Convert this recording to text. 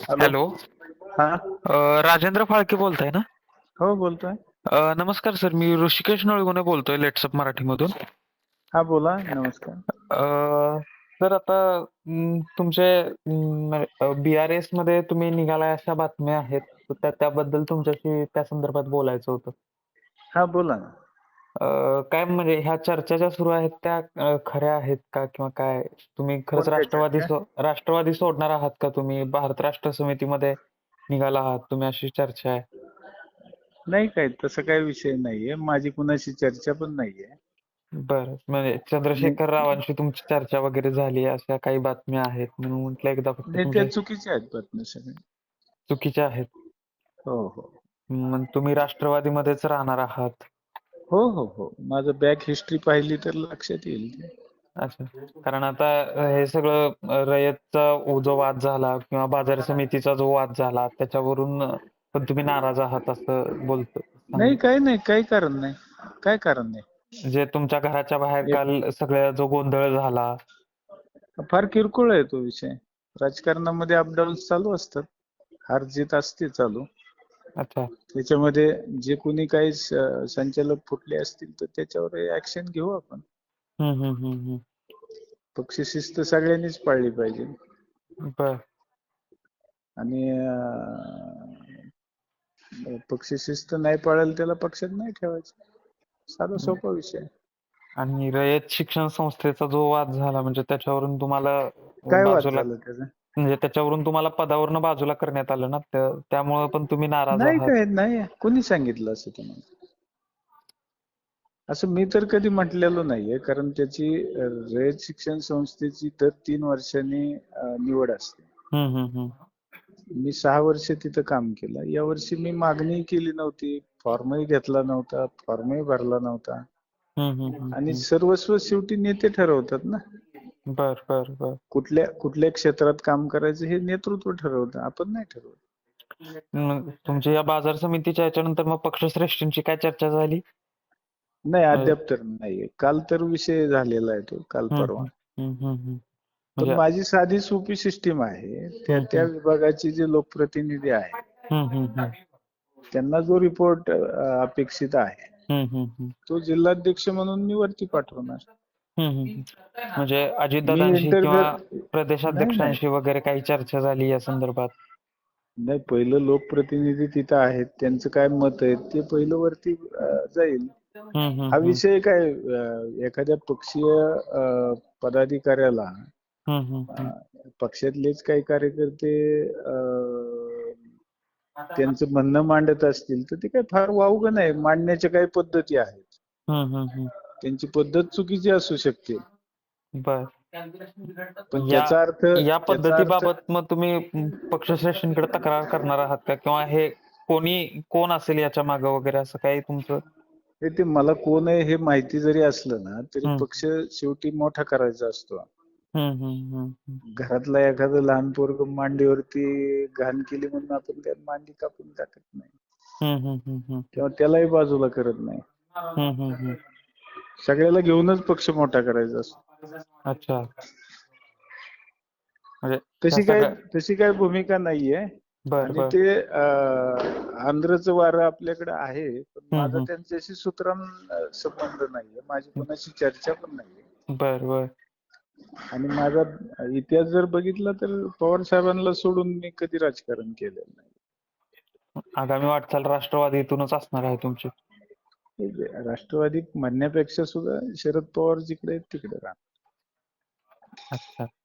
Hello. Hello. हा. राजेंद्र फाळके बोलताय ना? हो, बोलतोय. नमस्कार सर, मी ऋषिकेश नळगुणे बोलतोय लेट्सअप मराठीमधून. हा, बोला. नमस्कार. सर आता तुमचे BRS मध्ये तुम्ही निघालाय अशा बातम्या आहेत. तर त्याबद्दल तुमच्याशी त्या संदर्भात बोलायचं होतं. हा, बोला ना. काय म्हणजे ह्या चर्चा ज्या सुरू आहेत त्या खऱ्या आहेत का किंवा काय? तुम्ही खरंच कोणत्या चर्चा? राष्ट्रवादी सोडणार आहात का तुम्ही? भारत राष्ट्र समितीमध्ये निघाला आहात तुम्ही अशी चर्चा आहे. नाही, काय तसं काही विषय नाहीये. माझी कुणाशी चर्चा पण नाहीये. बरं. म्हणजे आणि चंद्रशेखर रावांशी तुमची चर्चा वगैरे झाली अशा काही बातम्या आहेत म्हणून म्हटलं एकदा फक्त नाही, त्या तुमच्या चुकीच्या आहेत बातम्या सगळ्या. चुकीच्या आहेत. हो, हो. मग तुम्ही राष्ट्रवादीमध्येच राहणार आहात. हो, हो, हो. माझं बॅक हिस्ट्री पाहिली तर लक्षात येईल ते. अच्छा. कारण आता हे सगळं रयतचा जो वाद झाला किंवा बाजार समितीचा जो वाद झाला त्याच्यावरून पण तुम्ही नाराज आहात असं नाही, काही नाही. काही कारण नाही. काय कारण नाही. म्हणजे तुमच्या घराच्या बाहेर एक काल सगळ्या जो गोंधळ झाला. फार किरकोळ आहे तो विषय. राजकारणामध्ये अपडाऊन्स चालू असतात. हार जीत असते चालू. अच्छा. त्याच्यामध्ये जे कोणी काही संचालक फुटले असतील तर त्याच्यावर ऍक्शन घेऊ आपण. हम्म हम्म हम्म हम्म. पक्ष शिस्त सगळ्यांनीच पाळली पाहिजे. बर. आणि पक्ष शिस्त नाही पाळेल त्याला पक्षात नाही ठेवायचं. साधा सोपा विषय आहे. आणि रयत शिक्षण संस्थेचा जो वाद झाला म्हणजे त्याच्यावरून तुम्हाला काय वाद बाजूला झाला त्याचा? म्हणजे त्याच्यावरून तुम्हाला पदावरून बाजूला करण्यात आलं ना त्यामुळे पण तुम्ही नाराज नाही, आहात. काय नाही. कोणी सांगितलं असं तुम्हाला? असं मी तर कधी म्हटलेलं नाहीये. कारण त्याची रयत शिक्षण संस्थेची दर 3 वर्षांनी निवड असते. हम्म. मी 6 वर्ष तिथं काम केलं. यावर्षी मी मागणी केली नव्हती. फॉर्मही घेतला नव्हता. फॉर्मही भरला नव्हता. आणि हम्म. सर्वस्व शेवटी नेते ठरवतात ना. बर. कुठल्या क्षेत्रात काम करायचं हे नेतृत्व ठरवतं. आपण नाही ठरवत. मग तुमच्या या बाजार समितीच्या याच्यानंतर मग पक्षश्रेष्ठींची काय चर्चा झाली? नाही, म्हणजे अद्याप तर नाहीये. काल तर विषय झालेला आहे तो. काल परवा. हम्म. पण म्हणजे माझी साधी सोपी सिस्टीम आहे. त्या विभागाचे जे लोकप्रतिनिधी आहेत, हम्म. त्यांना जो रिपोर्ट अपेक्षित आहे, हम्म. तो जिल्हाध्यक्ष म्हणून मी वरती पाठवणार. म्हणजे मी अजितदादांशी किंवा इंटरफेअर नाही. प्रदेशाध्यक्षांशी वगैरे काही चर्चा झाली या संदर्भात? नाही, पहिलं लोकप्रतिनिधी तिथं आहेत, त्यांचं काय मत आहे ते पहिलं वरती जाईल. हा हम्म. विषय काय एखाद्या पक्षीय पदाधिकाऱ्याला पक्षातलेच काही कार्यकर्ते त्यांचं म्हणणं मांडत असतील तर ते काही फार वावगं नाही. मांडण्याच्या काही पद्धती आहेत. हम्म. त्यांची पद्धत चुकीची असू शकते. बर. पण या या त्याचा अर्थ पद्धतीबाबत मग तुम्ही पक्षश्रेष्ठींकडे तक्रार करणार आहात का किंवा हे कोण असेल याच्या मागे वगैरे असं काही तुमचं? ते मला कोण आहे हे माहिती जरी असलं ना तरी हम्म पक्ष शेवटी मोठा करायचा असतो. हम्म. घरातला एखादं लहान पोरगं मांडीवरती घाण केली म्हणून आपण त्या मांडी कापून टाकत नाही हम्म. किंवा त्यालाही बाजूला करत नाही. हम्म. सगळ्याला घेऊनच पक्ष मोठा करायचा असतो. अच्छा. म्हणजे ह्या तशी काय सगळ्या तशी काय भूमिका नाहीये. आणि बर. ते आंध्रचं वारं आपल्याकडे आहे, पण माझा हम्म. त्यांच्याशी सुतराम संबंध नाहीये. माझी कोणाशी चर्चा पण नाहीये. बर. आणि माझा इतिहास जर बघितला तर पवार साहेबांना सोडून मी कधी राजकारण केलेलं नाही. आगामी वाटचाल राष्ट्रवादीतूनच असणार आहे तुमची? राष्ट्रवादी म्हणण्यापेक्षा सुद्धा शरद पवार जिकडे आहेत तिकडे राहणार. अच्छा.